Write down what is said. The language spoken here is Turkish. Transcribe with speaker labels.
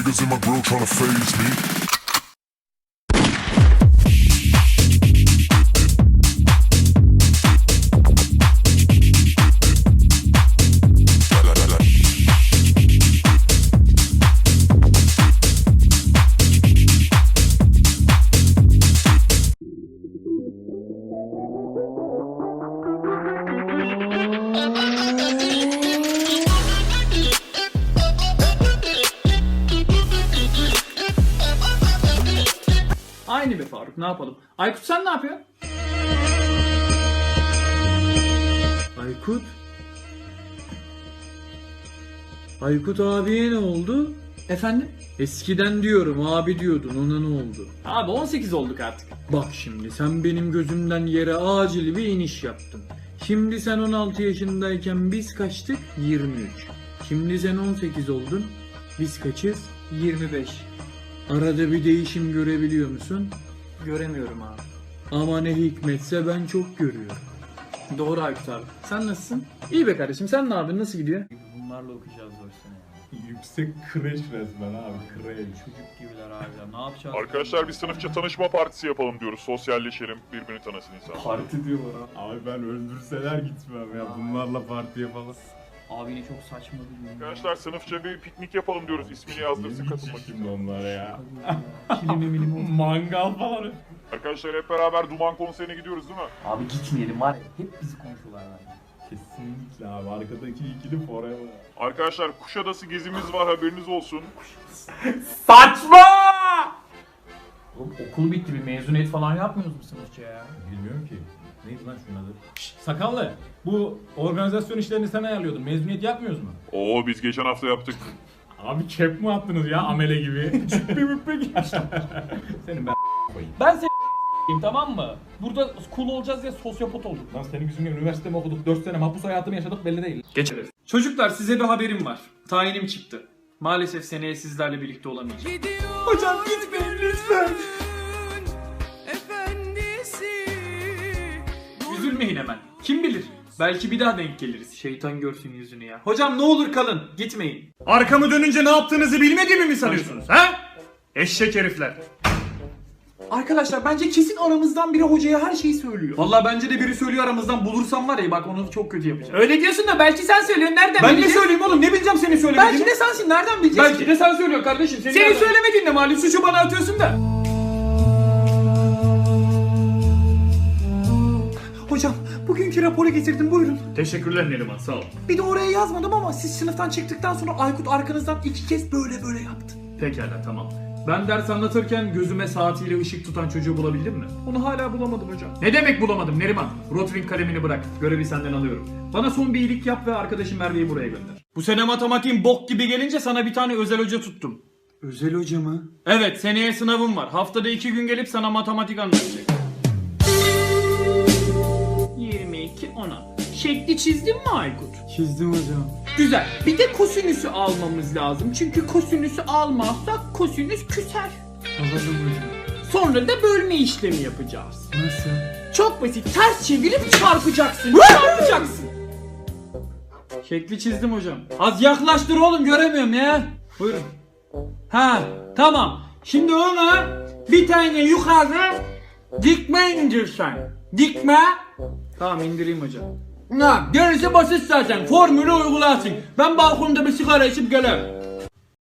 Speaker 1: niggas in my grill tryna phase me.
Speaker 2: Aynı be Faruk, ne yapalım? Aykut sen ne yapıyorsun?
Speaker 3: Aykut? Aykut abiye ne oldu?
Speaker 2: Efendim?
Speaker 3: Eskiden diyorum abi diyordun, ona ne oldu?
Speaker 2: Abi 18 olduk artık.
Speaker 3: Bak şimdi sen benim gözümden yere acil bir iniş yaptın. Şimdi sen 16 yaşındayken biz kaçtık? 23. Şimdi sen 18 oldun. Biz kaçız?
Speaker 2: 25.
Speaker 3: Arada bir değişim görebiliyor musun?
Speaker 2: Göremiyorum abi.
Speaker 3: Ama ne hikmetse ben çok görüyorum.
Speaker 2: Doğru Aykut abi. Sen nasılsın?
Speaker 3: İyi be kardeşim, sen ne yapıyorsun, nasıl gidiyor?
Speaker 2: Bunlarla okuyacağız 4 sene.
Speaker 4: Yüksek kreş resmen abi, kreş.
Speaker 2: Çocuk gibiler abi. Ne yapacağız?
Speaker 1: Arkadaşlar bir sınıfça tanışma partisi yapalım diyoruz. Sosyalleşelim, birbirini tanısın insan.
Speaker 2: Parti diyorlar ha.
Speaker 4: Abi ben öldürseler gitmem ya, bunlarla parti yapalım.
Speaker 2: Abi yine çok saçma bir gün.
Speaker 1: Arkadaşlar sınıfça bir piknik yapalım diyoruz. İsmini yazdırsın
Speaker 4: Ne
Speaker 1: katılmak
Speaker 4: gidecek
Speaker 1: için.
Speaker 4: şimdi onlara ya?
Speaker 2: Kilimi milimi oldu.
Speaker 4: Mangal falan.
Speaker 1: Arkadaşlar hep beraber Duman konserine gidiyoruz değil mi?
Speaker 2: Abi gitmeyelim var ya. Hep bizi konuşuyorlar lan.
Speaker 4: Kesinlikle abi, arkadaki ikili forever.
Speaker 1: Arkadaşlar Kuşadası gezimiz var, haberiniz olsun.
Speaker 2: Saçma! Oğlum okul bitti, bir mezuniyet falan yapmıyoruz mu sınıfça ya?
Speaker 4: Bilmiyorum ki. Neydi lan şunun adı? Sakallı. Bu organizasyon işlerini sen ayarlıyordun. Mezuniyet yapmıyoruz mu?
Speaker 1: Oo biz geçen hafta yaptık.
Speaker 4: Abi kep mi attınız ya amele gibi? Çüppe müppe gibi. Senin ben koyayım.
Speaker 2: Ben seni tamam mı? Burada cool olacağız ya sosyopat olduk.
Speaker 4: Lan senin yüzünden üniversite mi okuduk? 4 sene mahpus hayatını yaşadık, belli değil.
Speaker 2: Geçeriz. Çocuklar size bir haberim var. Tayinim çıktı. Maalesef seneye sizlerle birlikte olamayacağım. Hocam gitmeyin lütfen. Üzülmeyin hemen. Kim bilir? Belki bir daha denk geliriz. Şeytan görsün yüzünü ya. Hocam ne olur kalın. Gitmeyin. Arkamı dönünce ne yaptığınızı bilmediğimi mi sanıyorsunuz? Ha? Eşek herifler. Arkadaşlar bence kesin aramızdan biri hocaya her şeyi söylüyor. Vallahi bence de biri söylüyor aramızdan, bulursam var ya bak onu çok kötü yapacağım. Öyle diyorsun da belki sen söylüyorsun, nereden
Speaker 3: Ben
Speaker 2: bileceğiz?
Speaker 3: ne söyleyeyim oğlum, ne bileceğim seni söylemediğini?
Speaker 2: Belki de sensin, nereden bileceğiz
Speaker 3: Belki
Speaker 2: ki?
Speaker 3: de sen söylüyorsun kardeşim.
Speaker 2: Senin
Speaker 3: nereden-
Speaker 2: söylemediğin de malum, suçu bana atıyorsun da. Hocam bugünkü raporu getirdim, buyurun.
Speaker 3: Teşekkürler Neriman, sağ ol.
Speaker 2: Bir de oraya yazmadım ama siz sınıftan çıktıktan sonra Aykut arkanızdan 2 kez böyle yaptı.
Speaker 3: Pekala, tamam. Ben ders anlatırken gözüme saatiyle ışık tutan çocuğu bulabildin mi?
Speaker 2: Onu hala bulamadım hocam.
Speaker 3: Ne demek bulamadım Neriman? Rotring kalemini bırak. Görevi senden alıyorum. Bana son bir iyilik yap ve arkadaşım Merve'yi buraya gönder. Bu sene matematiğin bok gibi gelince sana bir tane özel hoca tuttum.
Speaker 2: Özel hoca mı?
Speaker 3: Evet, seneye sınavım var. Haftada 2 gün gelip sana matematik anlatacak. 22 10. Şekli çizdin mi Aykut?
Speaker 2: Çizdim hocam.
Speaker 3: Güzel. Bir de kosinüsü almamız lazım. Çünkü kosinüsü almazsak kosinüs küser.
Speaker 2: Anladım hocam.
Speaker 3: Sonra da bölme işlemi yapacağız.
Speaker 2: Nasıl?
Speaker 3: Çok basit. Ters çevirip çarpacaksın. Çarpacaksın. Şekli çizdim hocam. Az yaklaştır oğlum, göremiyorum ya. Buyurun. Ha, tamam. Şimdi ona bir tane yukarı dikme indirsen. Dikme. Tamam, indireyim hocam. Ha, gerisi basit zaten. Formülü uygulasın. Ben balkonda bir sigara içip gelirim.